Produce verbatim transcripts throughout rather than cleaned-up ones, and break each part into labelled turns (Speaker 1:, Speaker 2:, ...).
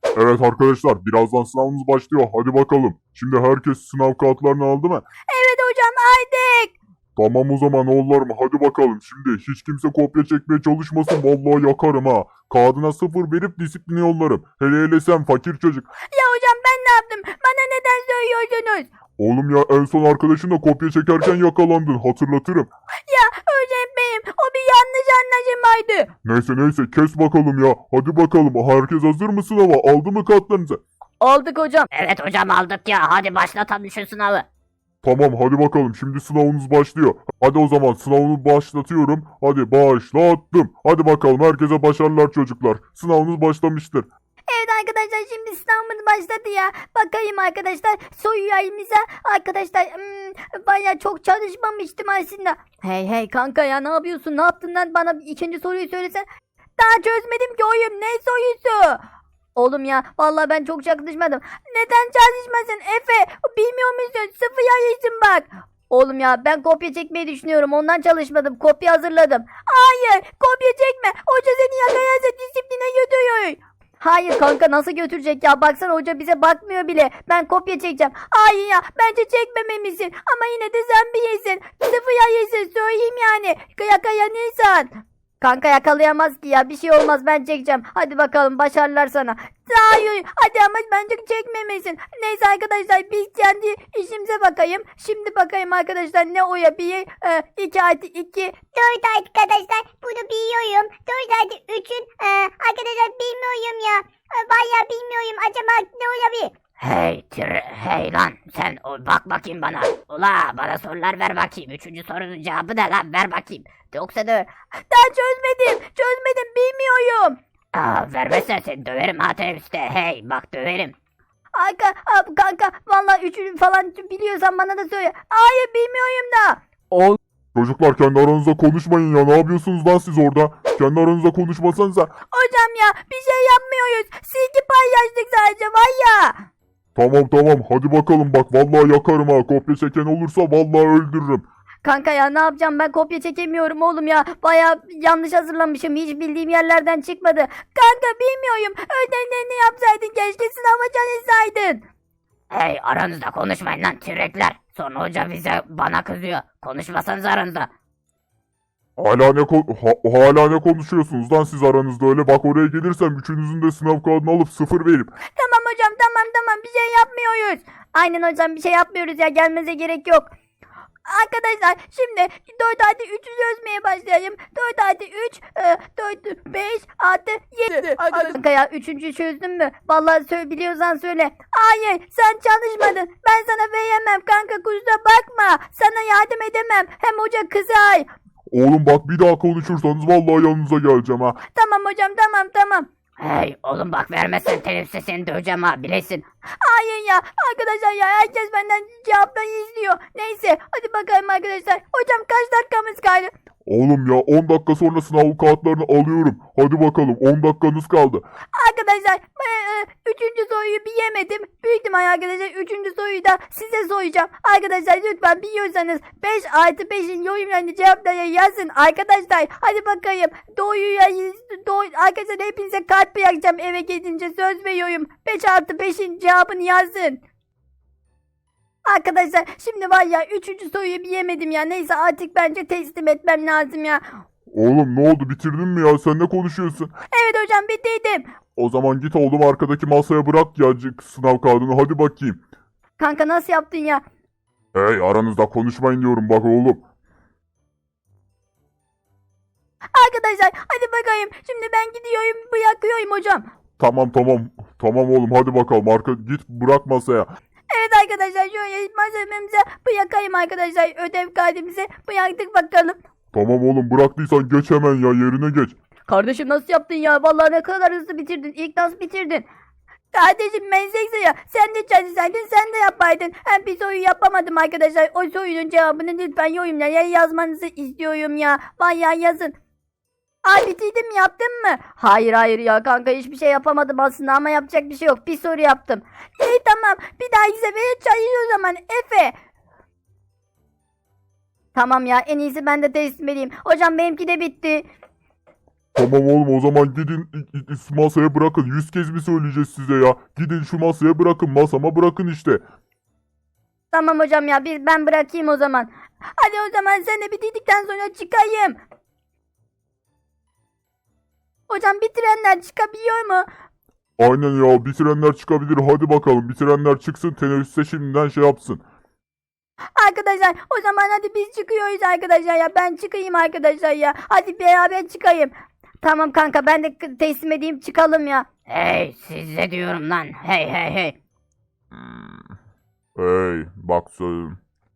Speaker 1: Evet arkadaşlar, birazdan sınavımız başlıyor. Hadi bakalım. Şimdi herkes sınav kağıtlarını aldı mı?
Speaker 2: Evet hocam aldık.
Speaker 1: Tamam o zaman oğullarım, hadi bakalım. Şimdi hiç kimse kopya çekmeye çalışmasın. Vallahi yakarım ha. Kağıdına sıfır verip disipline yollarım. Hele hele sen fakir çocuk.
Speaker 2: Ya hocam ben ne yaptım? Bana neden söylüyorsunuz?
Speaker 1: Oğlum ya, en son arkadaşınla kopya çekerken yakalandın. Hatırlatırım.
Speaker 2: Ya öğretmenim o bir yanlış anlaşılmaydı.
Speaker 1: Neyse neyse, kes bakalım ya. Hadi bakalım. Herkes hazır mı sınava? Aldı mı kağıtlarınızı?
Speaker 2: Aldık hocam.
Speaker 3: Evet hocam aldık ya. Hadi başlatalım şu sınavı.
Speaker 1: Tamam hadi bakalım, şimdi sınavınız başlıyor. Hadi o zaman sınavını başlatıyorum. Hadi başlattım. Hadi bakalım, herkese başarılar çocuklar. Sınavınız başlamıştır.
Speaker 2: Evet arkadaşlar şimdi sınavımız başladı ya. Bakayım arkadaşlar soyu ayımıza. Arkadaşlar hmm, bayağı çok çalışmamıştım aslında. Hey hey kanka ya ne yapıyorsun? Ne yaptın lan? Bana ikinci soruyu söylesen. Daha çözmedim ki oyum. Ne sorusu? Oğlum ya vallahi ben çok çalışmadım. Neden çalışmasın Efe? Bilmiyor musun? Sıfır yayısın bak. Oğlum ya ben kopya çekmeyi düşünüyorum. Ondan çalışmadım. Kopya hazırladım. Hayır kopya çekme. Hoca seni yakalarsa disipline götürüyor. Hayır kanka nasıl götürecek ya? Baksana hoca bize bakmıyor bile. Ben kopya çekeceğim. Hayır ya bence çekmemelisin. Ama yine de sen bir yesin. Sıfır yayısın söyleyeyim yani. Yakalanırsan. Kanka yakalayamaz ki ya. Bir şey olmaz ben çekeceğim. Hadi bakalım başarılar sana. Hayır hadi ama bence çekmemesin. Neyse arkadaşlar biz kendi işimize bakayım. Şimdi bakayım arkadaşlar ne oya bir e, iki artı iki.
Speaker 4: Dört arkadaşlar bunu biliyorum. Dört artı üçün e, arkadaşlar bilmiyorum ya. E, bayağı bilmiyorum. Acaba ne olabilir?
Speaker 3: Hey tire, hey lan sen o, bak bakayım bana. Ula bana sorular ver bakayım. Üçüncü sorunun cevabı ne lan, ver bakayım. Yoksa da
Speaker 2: Daha çözmedim. Çözmedim bilmiyorum.
Speaker 3: aa, vermezsen seni döverim ha teneffüste. Hey bak döverim.
Speaker 2: Kanka, ab- kanka vallahi üçünü falan biliyorsan bana da söyle. Hayır bilmiyorum da.
Speaker 1: Çocuklar kendi aranızda konuşmayın ya. Ne yapıyorsunuz lan siz orada? Kendi aranızda konuşmasanıza.
Speaker 2: Hocam ya bir şey yapmıyoruz. Silgi paylaştık sadece var ya.
Speaker 1: Tamam tamam, hadi bakalım, bak vallahi yakarım ha. Kopya çeken olursa vallahi öldürürüm.
Speaker 2: Kanka ya ne yapacağım ben kopya çekemiyorum oğlum ya. Baya yanlış hazırlamışım. Hiç bildiğim yerlerden çıkmadı. Kanka bilmiyorum. Ödevlerini yapsaydın keşke sınava çalışsaydın.
Speaker 3: Hey aranızda konuşmayın lan tirekler. Sonra hoca bize bana kızıyor. Konuşmasanız aranızda.
Speaker 1: Hala ne ko- ha- hala ne konuşuyorsunuz lan siz aranızda öyle? Bak oraya gelirsem üçünüzün de sınav kağıdını alıp sıfır verip.
Speaker 2: Tamam hocam tamam tamam bir şey yapmıyoruz. Aynen hocam bir şey yapmıyoruz ya gelmenize gerek yok. Arkadaşlar şimdi dört artı üçü çözmeye başlayayım. dört artı üç, e, dört, beş artı yedi. Kanka ya üçüncü çözdün mü? Vallahi söyle, biliyorsan söyle. Hayır sen çalışmadın. Ben sana veremem kanka kusura bakma. Sana yardım edemem. Hem hoca kızar.
Speaker 1: Oğlum bak, bir daha konuşursanız vallahi yanınıza geleceğim ha.
Speaker 2: Tamam hocam tamam tamam.
Speaker 3: Hey oğlum bak vermezsen teneffüste seni döveceğim ha bilesin.
Speaker 2: Hayır ya arkadaşlar ya herkes benden cevapları izliyor. Neyse hadi bakalım arkadaşlar. Hocam kaç dakikamız kaldı?
Speaker 1: Oğlum ya, on dakika sonra sınav kağıtlarını alıyorum. Hadi bakalım, on dakikanız kaldı.
Speaker 2: Arkadaşlar ben, e, üçüncü soruyu bir yemedim. Büyük ihtimal arkadaşlar üçüncü soruyu da size soracağım. Arkadaşlar lütfen biliyorsanız beş artı beşin yorumlarını cevapları yazın. Arkadaşlar hadi bakayım. Doğuyu doğu, arkadaşlar hepinize kalp bırakacağım eve gidince söz veriyorum. beş artı beşin cevabını yazın. Arkadaşlar şimdi var ya üçüncü soruyu bir yemedim ya. Neyse artık bence teslim etmem lazım ya.
Speaker 1: Oğlum ne oldu, bitirdin mi ya? Sen ne konuşuyorsun?
Speaker 2: Evet hocam bitirdim.
Speaker 1: O zaman git oğlum, arkadaki masaya bırak ya c- sınav kağıdını, hadi bakayım.
Speaker 2: Kanka nasıl yaptın ya?
Speaker 1: Hey, aranızda konuşmayın diyorum bak oğlum.
Speaker 2: Arkadaşlar hadi bakayım. Şimdi ben gidiyorum bırakıyorum hocam.
Speaker 1: Tamam tamam. Tamam oğlum, hadi bakalım, arka git bırak masaya.
Speaker 2: Evet arkadaşlar şöyle malzememize bırakayım arkadaşlar. Ödev kaydımızı bıraktık bakalım.
Speaker 1: Tamam oğlum, bıraktıysan geç hemen ya, yerine geç.
Speaker 2: Kardeşim nasıl yaptın ya? Vallahi ne kadar hızlı bitirdin. İlk nasıl bitirdin? Kardeşim meslek ya. Sen de çalışsaydın sen de yapaydın. Hem bir soruyu yapamadım arkadaşlar. O sorunun cevabını lütfen yorumlara yazmanızı istiyorum ya. Bayağı yazın. Ay bitirdim yaptın mı? Hayır hayır ya kanka hiçbir şey yapamadım aslında ama yapacak bir şey yok. Bir soru yaptım. İyi tamam bir dahaki sefere çalış o zaman Efe. Tamam ya en iyisi ben de teslim edeyim. Hocam benimki de bitti.
Speaker 1: Tamam oğlum o zaman gidin i- i- masaya bırakın. Yüz kez mi söyleyeceğiz size ya? Gidin şu masaya bırakın. Masama bırakın işte.
Speaker 2: Tamam hocam ya biz ben bırakayım o zaman. Hadi o zaman sen de bitirdikten sonra çıkayım. Hocam bitirenler çıkabiliyor mu?
Speaker 1: Aynen ya bitirenler çıkabilir. Hadi bakalım bitirenler çıksın. Teneffüste şimdiden şey yapsın.
Speaker 2: Arkadaşlar o zaman hadi biz çıkıyoruz arkadaşlar ya. Ben çıkayım arkadaşlar ya. Hadi beraber çıkayım. Tamam kanka ben de k- teslim edeyim çıkalım ya.
Speaker 3: Hey size diyorum lan. Hey hey hey.
Speaker 1: Hey bak söyleyeyim.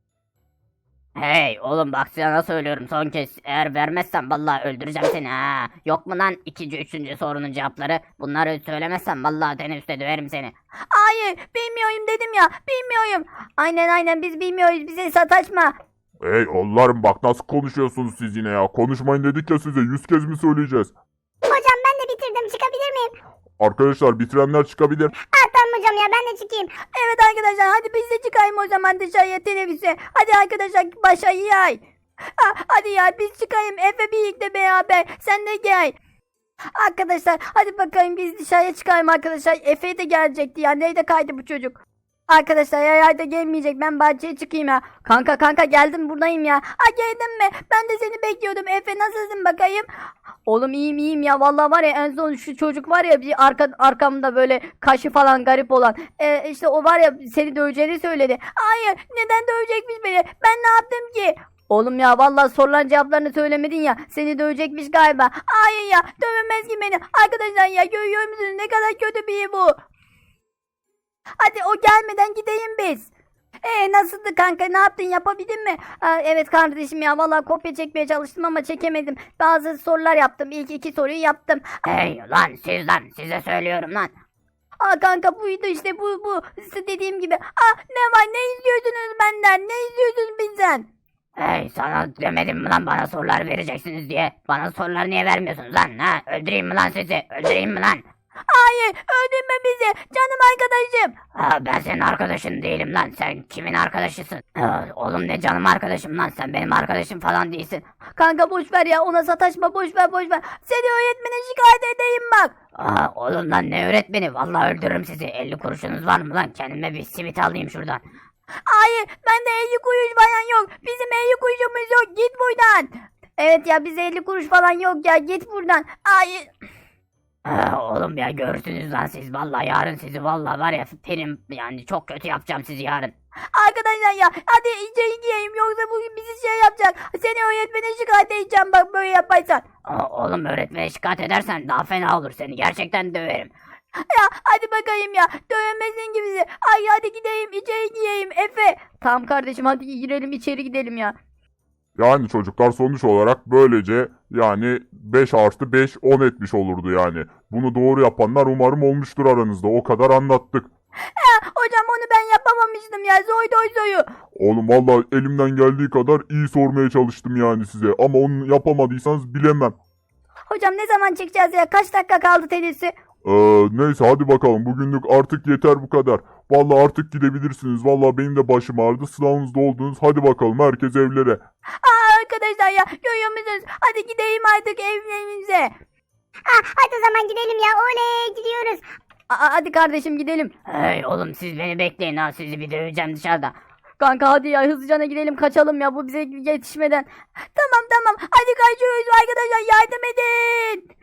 Speaker 3: Hey oğlum bak sana söylüyorum son kez. Eğer vermezsen vallahi öldüreceğim seni ha. Yok mu lan ikinci üçüncü sorunun cevapları? Bunları söylemezsen vallahi teneffüste döverim seni.
Speaker 2: Hayır bilmiyorum dedim ya. Bilmiyorum. Aynen aynen biz bilmiyoruz. Bize sataşma.
Speaker 1: Hey oğullarım bak nasıl konuşuyorsunuz siz yine ya. Konuşmayın dedik ya size. Yüz kez mi söyleyeceğiz?
Speaker 4: Hocam ben de bitirdim. Çıkabilir miyim?
Speaker 1: Arkadaşlar bitirenler çıkabilir.
Speaker 4: Ah tamam hocam ya ben de çıkayım.
Speaker 2: Evet arkadaşlar hadi biz de çıkayım o zaman dışarıya teneffüse. Hadi arkadaşlar başa yay. Ha, hadi ya biz çıkayım Efe birlikte beraber. Sen de gel. Arkadaşlar hadi bakayım biz dışarıya çıkayım arkadaşlar. Efe de gelecekti ya. Nerede kaydı bu çocuk? Arkadaşlar ya da gelmeyecek. Ben bahçeye çıkayım ya. Kanka kanka geldim buradayım ya. Ha geldin mi? Ben de seni bekliyordum. Efe nasılsın bakayım? Oğlum iyiyim iyiyim ya. Vallahi var ya en son şu çocuk var ya bir arka, arkamda böyle kaşı falan garip olan. Ee, işte o var ya seni döveceğini söyledi. Hayır neden dövecekmiş beni? Ben ne yaptım ki? Oğlum ya vallahi sorulan cevaplarını söylemedin ya. Seni dövecekmiş galiba. Hayır ya dövemez ki beni. Arkadaşlar ya görüyor musunuz ne kadar kötü biri bu. Hadi o gelmeden gideyim biz. Ee nasıldı kanka ne yaptın yapabildin mi? Aa, evet kardeşim ya vallahi kopya çekmeye çalıştım ama çekemedim. Bazı sorular yaptım. İlk iki soruyu yaptım.
Speaker 3: Hey lan siz lan size söylüyorum lan.
Speaker 2: Aa kanka buydu işte bu bu. Size dediğim gibi. Aa ne var ne izliyorsunuz benden? Ne izliyorsunuz bizden?
Speaker 3: Hey sana demedim mi lan bana sorular vereceksiniz diye. Bana sorular niye vermiyorsunuz lan ha? Öldüreyim mi lan sizi? Öldüreyim mi lan?
Speaker 2: Hayır öldürme bizi canım arkadaşım.
Speaker 3: Ha, ben senin arkadaşın değilim lan. Sen kimin arkadaşısın? Ha, oğlum ne canım arkadaşım lan. Sen benim arkadaşım falan değilsin.
Speaker 2: Kanka boş ver ya ona sataşma boş ver boş ver. Seni öğretmene şikayet edeyim bak.
Speaker 3: Aa, oğlum lan ne öğretmeni? Vallahi öldürürüm sizi. elli kuruşunuz var mı lan? Kendime bir simit alayım şuradan.
Speaker 2: Hayır bende elli kuruş falan yok. Bizim elli kuruşumuz yok git buradan. Evet ya bize elli kuruş falan yok ya git buradan. Hayır.
Speaker 3: Aa, oğlum ya görürsünüz lan siz. Vallahi yarın sizi vallahi var ya benim yani çok kötü yapacağım sizi yarın.
Speaker 2: Arkadaşlar ya hadi içeri gireyim yoksa bugün bizi şey yapacak. Seni öğretmene şikayet edeceğim bak böyle yaparsan.
Speaker 3: Aa, oğlum öğretmene şikayet edersen daha fena olur. Seni gerçekten döverim.
Speaker 2: Ya hadi bakayım ya dövmesin gibi bizi. Ay hadi gideyim içeri gireyim Efe. Tamam kardeşim hadi girelim içeri gidelim ya.
Speaker 1: Yani çocuklar sonuç olarak böylece yani beş artı beş on etmiş olurdu yani. Bunu doğru yapanlar umarım olmuştur aranızda. O kadar anlattık.
Speaker 2: Ya hocam onu ben yapamamıştım ya zoy doy zoyu.
Speaker 1: Oğlum vallahi elimden geldiği kadar iyi sormaya çalıştım yani size. Ama onu yapamadıysanız bilemem.
Speaker 2: Hocam ne zaman çıkacağız ya kaç dakika kaldı tenisi?
Speaker 1: Ee, neyse hadi bakalım bugünlük artık yeter bu kadar. Vallahi artık gidebilirsiniz. Vallahi benim de başım ağrıdı. Sınavınızda oldunuz. Hadi bakalım herkes evlere.
Speaker 2: Aa arkadaşlar ya görüyor musunuz? Hadi gideyim artık evlerimize.
Speaker 4: Ah hadi o zaman gidelim ya. Oley gidiyoruz.
Speaker 2: Aa, hadi kardeşim gidelim.
Speaker 3: Hey oğlum siz beni bekleyin ha. Sizi bir döveceğim dışarıda.
Speaker 2: Kanka hadi ya hızlıcana gidelim kaçalım ya bu bize yetişmeden. Tamam tamam hadi kaçıyoruz arkadaşlar yardım edin.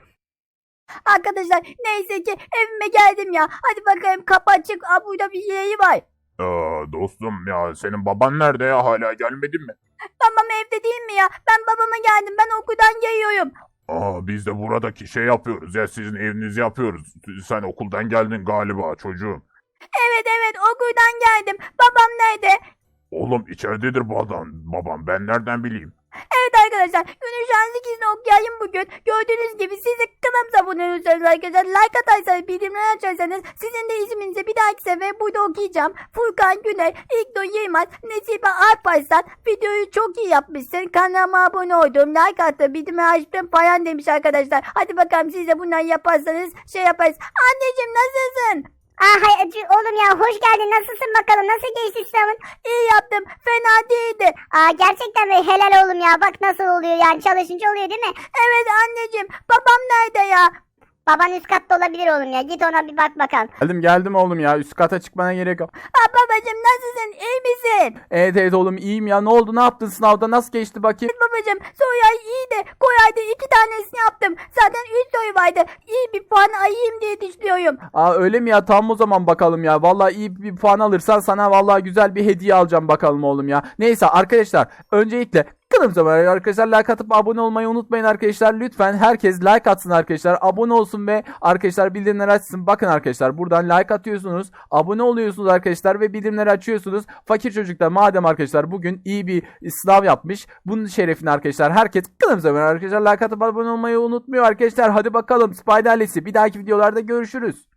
Speaker 2: Arkadaşlar neyse ki evime geldim ya. Hadi bakayım kapı açık. Aa, burada bir yeri var.
Speaker 1: Ee, dostum ya senin baban nerede ya? Hala gelmedin mi?
Speaker 2: Babam evde değil mi ya? Ben babama geldim. Ben okuldan geliyorum.
Speaker 1: Aa, biz de buradaki şey yapıyoruz ya sizin evinizi yapıyoruz. Sen okuldan geldin galiba çocuğum.
Speaker 2: Evet evet okuldan geldim. Babam nerede?
Speaker 1: Oğlum içeridedir bu adam. Babam ben nereden bileyim?
Speaker 2: Evet arkadaşlar günün şanslı ikisini okuyayım bugün. Gördüğünüz gibi siz de kanalımıza abone olursanız arkadaşlar like atarsanız bildirimleri açarsanız sizin de isminizi bir dahaki sefer burada okuyacağım. Furkan Güney, İlknur Yılmaz, Nesibe Alparslan videoyu çok iyi yapmışsın. Kanalıma abone oldum, like attım, bildirimleri açtım falan demiş arkadaşlar. Hadi bakalım siz de bunları yaparsanız şey yaparız. Anneciğim nasılsın?
Speaker 4: Aa, hay, oğlum ya hoş geldin. Nasılsın bakalım? Nasıl geçti sınavın?
Speaker 2: İyi yaptım. Fena değildi.
Speaker 4: Aa, gerçekten mi? Helal oğlum ya. Bak nasıl oluyor yani. Çalışınca oluyor değil mi?
Speaker 2: Evet anneciğim. Babam nerede ya?
Speaker 4: Baban üst katta olabilir oğlum ya. Git ona bir bak bakalım.
Speaker 5: Geldim geldim oğlum ya. Üst kata çıkmana gerek yok.
Speaker 2: Aa, babacığım nasılsın? İyi misin?
Speaker 5: Evet evet oğlum iyiyim ya. Ne oldu? Ne yaptın sınavda? Nasıl geçti bakayım?
Speaker 2: Babacığım soru ay iyiydi. Kolaydı. iki tanesini yaptım. Zaten üç soru vardı. İyi bir puan ayayım diye düşünüyorum.
Speaker 5: Aa öyle mi ya? Tamam o zaman bakalım ya. Vallahi iyi bir puan alırsan sana vallahi güzel bir hediye alacağım bakalım oğlum ya. Neyse arkadaşlar öncelikle kanalımıza abone arkadaşlar like atıp abone olmayı unutmayın arkadaşlar. Lütfen herkes like atsın arkadaşlar. Abone olsun ve arkadaşlar bildirimleri açsın. Bakın arkadaşlar buradan like atıyorsunuz. Abone oluyorsunuz arkadaşlar ve bildirimleri açıyorsunuz. Fakir çocuklar madem arkadaşlar bugün iyi bir sınav yapmış. Bunun şerefine arkadaşlar herkes kanalımıza abone arkadaşlar like atıp abone olmayı unutmuyor arkadaşlar. Hadi bakalım Spider ailesi bir dahaki videolarda görüşürüz.